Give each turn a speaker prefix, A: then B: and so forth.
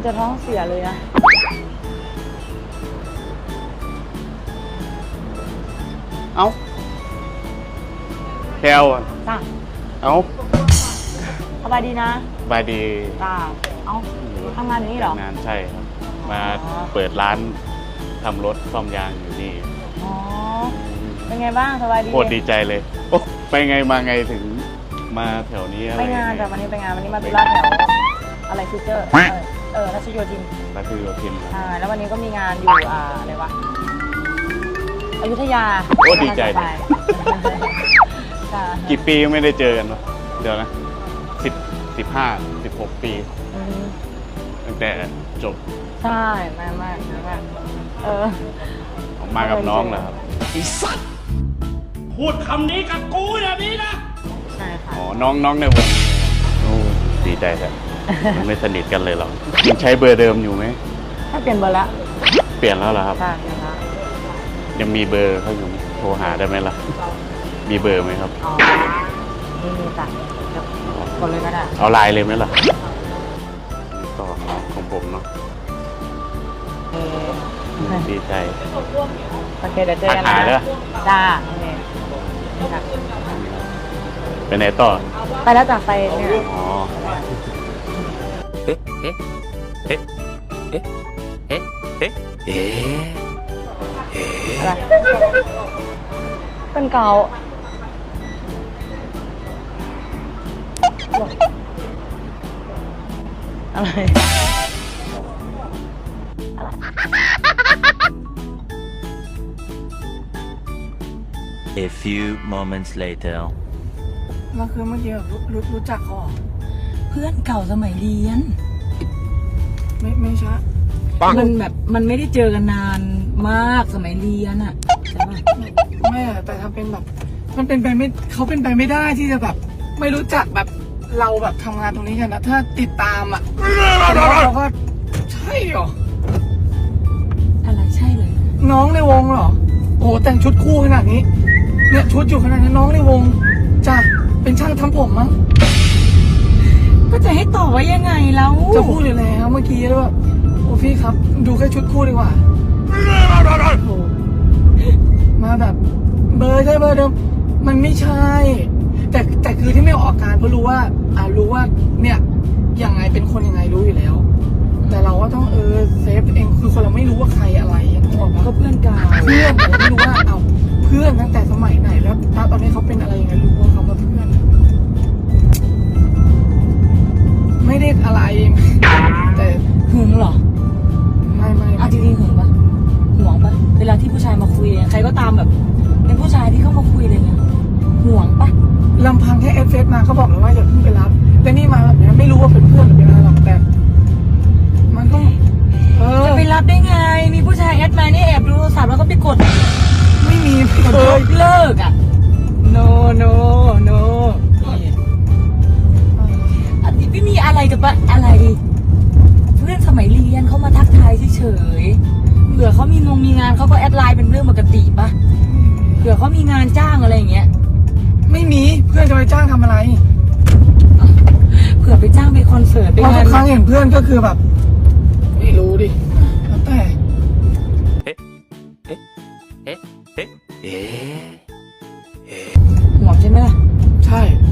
A: จะท้องเสียเลยนะ
B: เอ้าแคลอะ
A: จ้า
B: เอ้า
A: สบายดีนะ
B: บายดี
A: จ้าเอ้าทำงานอยู่นี่เหรอ
B: งานใช่ครับ มา
A: อ๋อ
B: เปิดร้านทำรถซ่อมยางอยู่นี่
A: อ๋อ เป็นไงบ้างสบายดี
B: โคตรดีใจเลย โอ้ไปไงมาไงถึงมาแถวนี้อะไร
A: ไปงานแต่วันนี้ไปงานวันนี้มาตุลาแถวอะไรฟิวเจอร์รัชโยธิน
B: รัชโยธิน
A: ใช่แล้ววันนี้ก็มีงานอยู่อะไรวะอยุธยา
B: โอ้ดีใจ
A: ไปค่ะ
B: กี่ปีไม่ได้เจอกันวะเดี๋ยวนะ15-16 ปี
A: อืม
B: ตั้งแต่จบ
A: ใช่มากมากมากเออ
B: ออกมากับน้องเหรอครับ
C: พูดคำนี้กับกูแบบนี้นะ
A: ใช่ค่ะ
B: อ๋อ น้องในวงโอ้ดีใจแท้มันไม่สนิทกันเลยหรอยังใช้เบอร์เดิมอยู่ไหม
A: ถ้าเปลี่ยนเบอร์ละ
B: เปลี่ยนแล้วเหรอครับ
A: ใช่เปลี่ยนละ
B: ยังมีเบอร์เขาอยู่ไหมโทรหาได้ไหมล่ะ มีเบอร์ไหมครับ
A: อ๋อนี่มีจ้ะเดี๋ยวกดเลยก็ได้
B: เอาไลน์เลยไหมล่ะต่อของผมเนาะ
A: เออ
B: ดีใจ
A: โอเคเดี๋ยวเจอกัน
B: หาเด้อ
A: นะจ้าโอเคค่ะ
B: ไปไหนต่อ
A: ไปแล้วจากไปเนี่ย
B: อ๋อ
A: อะไรเป็นเกาอะไร
D: A few moments later.
E: ก็คือเมื่อกี้แบบรู้จักเขาเหรอ
A: เพื่อนเก่าสมัยเรียน
E: ไม่ใช่
A: มันแบบมันไม่ได้เจอกันนานมากสมัยเรียนอะใช่ปะ
E: ไม่อะแต่ทำเป็นแบบ มันเป็นไปไม่เขาเป็นไปไม่ได้ที่จะแบบ ไม่รู้จักแบบเราแบบทำงานตรงนี้กันนะถ้าติดตามอ่ะเราก็ใช่เหรอ
A: อะไรใช่เลย
E: น้องในวงเหรอ โอ้แต่งชุดคู่ขนาดนี้ เนี่ยชุดอยู่ขนาดนั้นน้องในวงจ้ะเป็นช่างทำผมมั้ง
A: ก็จะให้ตอบว่ายังไงแล้ว
E: จะพูดอยู่แล้วเมื่อกี้แล้วแบบโอ้พี่ครับ ดูแค่ชุดคู่ดีกว่าโอ้มาแบบ เบอร์ใช่เบอร์เดิมมันไม่ใช่ แต่คือที่ไม่ออกอาการเพราะรู้ว่ารู้ว่าเนี่ยยังไงเป็นคนยังไงรู้อยู่แล้ว แต่เราก็ต้องเซฟตัวเองคือคนเราไม่รู้ว่าใครอะไรนึกออกปะ
A: ก็เพื่อนเก่า
E: เพื่อนแต่เราไม่รู้ว่าเอาเพื่อนตั้งแต่สมัยไหนแล้วตอนนี้เขาเป็นอะไรยังไงรู้ว่าเขามาเพื่อน ไม่ได้อะไร แต่
A: หึงเหรอ
E: ไม่
A: เอาจริงๆหึงปะห่วงปะเวลาที่ผู้ชายมาคุยใครก็ตามแบบเป็นผู้ชายที่เข้ามาคุยอะไรเงี้ยห่วงปะ
E: ลำพังแค่เอฟเฟซมาเขาบอกเลยว่าอย่าเพิ่งไปรับแต่นี่มาแบบนี้ไม่รู้ว่าเป็นเพื่อนหรือเป็นอะไรหรอกแต่มันก็
A: จะไปรับได้ไง มีผู้ชายแอดมานี่แอบดูโทรศัพท์แล้วก็ไปกด
E: ไม่มีเลย
A: เลิกอ่ะ no no no อันนี้ไม่มีอะไรกับอะไร เพื่อนสมัยเรียนเขามาทักทายเฉยๆเผื่อเขามีงานเขาก็แอดไลน์เป็นเรื่องปกติปะเผื่อเขามีงานจ้างอะไรอย่างเงี้ย
E: ไม่มีเพื่อนจะไปจ้างทำอะไร
A: เผื่อไปจ้างไปคอนเสิร์ตไป
E: เพราะ
A: งา
E: ทุ
A: น
E: กครั้งเห็นเพื่อนก็คือแบบ ไม่รู้ดิแล้วแต่
A: ห่วงใช่ไหมล่ะ
E: ใช่